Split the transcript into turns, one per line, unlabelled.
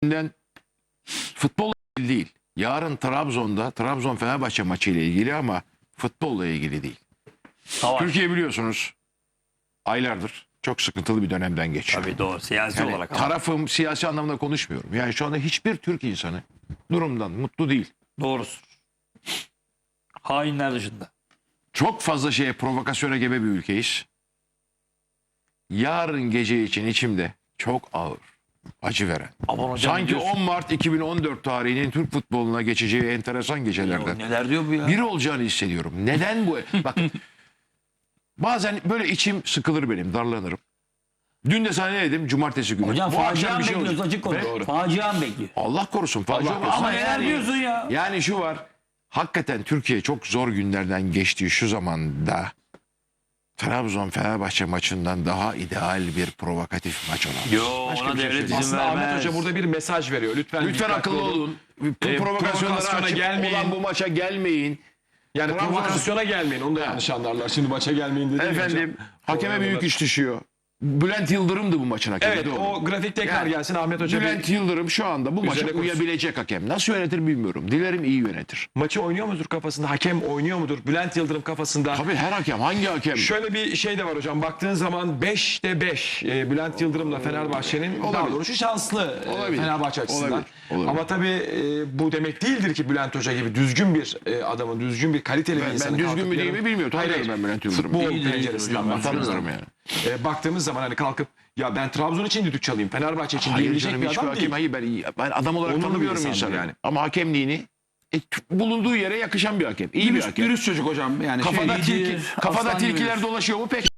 Futbolla ilgili değil. Yarın Trabzon'da Trabzon Fenerbahçe maçı ile ilgili ama futbolla ilgili değil.
Savaş.
Türkiye biliyorsunuz aylardır çok sıkıntılı bir dönemden geçiyor.
Tabii doğru. Siyasi
Yani
olarak. Ama.
tarafım siyasi anlamda konuşmuyorum. Yani şu anda hiçbir Türk insanı durumdan mutlu değil.
Doğrusu. Hainler dışında.
Çok fazla şeye provokasyona gebe bir ülkeyiz. Yarın gece için içimde çok ağır, acı veren.
Aman hocam,
Sanki 10 Mart 2014 tarihinin Türk futboluna geçeceği enteresan gecelerden
neler diyor bu ya?
biri olacağını hissediyorum. Neden bu? Bak bazen böyle içim sıkılır benim, darlanırım. Dün de sana ne dedim? Cumartesi günü.
Hocam
Bu akşam
facia
bir şey
bekliyoruz,
olacak.
açık konu.
Doğru.
Facia bekliyor.
Allah korusun. Facia olmasın.
Ama neler
yani,
diyorsun ya?
Yani şu var. Hakikaten Türkiye çok zor günlerden geçtiği şu zamanda Trabzon Fenerbahçe maçından daha ideal bir provokatif maç olamaz.
Yo,
Başka
ona
bir şey
devlet
söyleyeyim.
izin
Aslında Ahmet
vermez.
Hoca burada bir mesaj veriyor. Lütfen
Lütfen
dikkatli
akıllı olun. Provokasyonlara
provokasyona
açıp
gelmeyin.
olan bu maça gelmeyin.
Yani
Trabzon-
provokasyona gelmeyin. Onu da yanlış anlarlar. Şimdi maça gelmeyin dedi.
Efendim hakeme büyük iş düşüyor. Bülent Yıldırım'dı bu maçın hakemi.
Evet
doğru.
o grafik tekrar
Yani,
gelsin. Ahmet Hoca
Bülent Yıldırım şu anda bu maça
Üzerine konuşsun.
uyabilecek hakem. Nasıl yönetir bilmiyorum. Dilerim iyi yönetir.
maçı oynuyor mudur kafasında? Hakem oynuyor mudur? Bülent Yıldırım kafasında.
Tabii her hakem hangi hakem?
Şöyle bir şey de var hocam. Baktığın zaman 5'te 5 Bülent Yıldırım'la Fenerbahçe'nin daha
Olabilir.
doğrusu şanslı
Olabilir.
Fenerbahçe açısından.
Olabilir. Olabilir.
Ama tabii bu demek değildir ki Bülent Hoca gibi düzgün bir adamın, düzgün bir kaliteli bir
Ben
insanın.
düzgün
kalkıp
mü değil
yarın-
mi bilmiyorum.
Hayır,
Tanıyorum ben Bülent Yıldırım'ı.
Futbol
İyidir,
penceresinden
iyidir hocam.
baktığımız
Tanıyorum
zaman.
yani.
Baktığımız zaman hani kalkıp ya ben Trabzon için düdük çalayım, Fenerbahçe için
Hayır
diyebilecek
canım
bir
hiçbir
adam
hakem.
değil.
Hayır ben adam olarak
Onurlu bir
tanımıyorum
insandır
insanı.
yani.
Ama hakemliğini bulunduğu yere yakışan bir hakem. İyi bir hakem.
Dürüst çocuk hocam. Yani
Kafada,
iyidir,
kafada
aslan
tilkiler
gibidir.
dolaşıyor mu pek